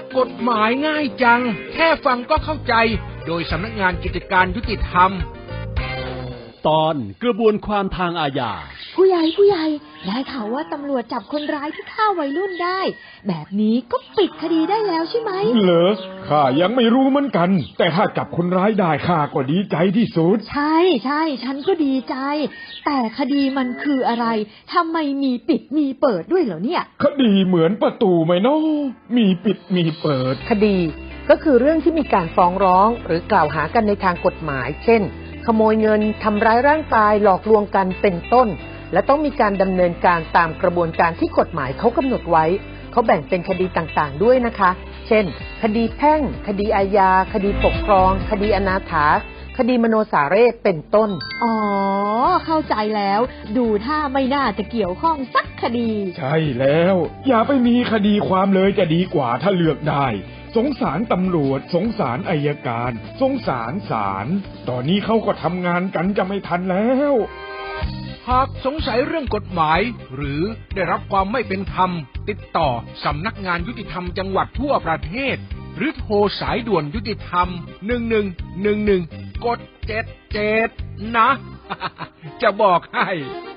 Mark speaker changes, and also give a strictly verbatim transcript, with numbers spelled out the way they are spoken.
Speaker 1: กฎหมายง่ายจังแค่ฟังก็เข้าใจโดยสำนักงานกิจการยุติธรรม
Speaker 2: ตอนกระบวนความทางอาญา
Speaker 3: ผู้ใหญ่ผู้ใหญ่ได้ข่าวว่าตำรวจจับคนร้ายที่ฆ่าวัยรุ่นได้แบบนี้ก็ปิดคดีได้แล้วใช่ไหม
Speaker 4: เหรอข้ายังไม่รู้เหมือนกันแต่ถ้าจับคนร้ายได้ข้าก็ดีใจที่สุด
Speaker 3: ใช่ใช่ฉันก็ดีใจแต่คดีมันคืออะไรทำไมมีปิดมีเปิดด้วยเหรอเนี่ย
Speaker 4: คดีเหมือนประตูไหมเนาะมีปิดมีเปิด
Speaker 5: คดีก็คือเรื่องที่มีการฟ้องร้องหรือกล่าวหากันในทางกฎหมายเช่นขโมยเงินทำร้ายร่างกายหลอกลวงกันเป็นต้นและต้องมีการดำเนินการตามกระบวนการที่กฎหมายเขากำหนดไว้เขาแบ่งเป็นคดีต่างๆด้วยนะคะเช่นคดีแพ่งคดีอาญาคดีปกครองคดีอนาถาคดีมโนสาเรศเป็นต้น
Speaker 3: อ๋อเข้าใจแล้วดูท่าไม่น่าจะเกี่ยวข้องสักคดี
Speaker 4: ใช่แล้วอย่าไปมีคดีความเลยจะดีกว่าถ้าเลือกได้สงสารตำรวจสงสารอัยการสงสารศาลตอนนี้เขาก็ทำงานกันจะไม่ทันแล้ว
Speaker 1: หากสงสัยเรื่องกฎหมายหรือได้รับความไม่เป็นธรรมติดต่อสำนักงานยุติธรรมจังหวัดทั่วประเทศหรือโทรสายด่วนยุติธรรมหนึ่งหนึ่งหนึ่งหนึ่งกดเจ็ดเจ็ดนะ จะบอกให้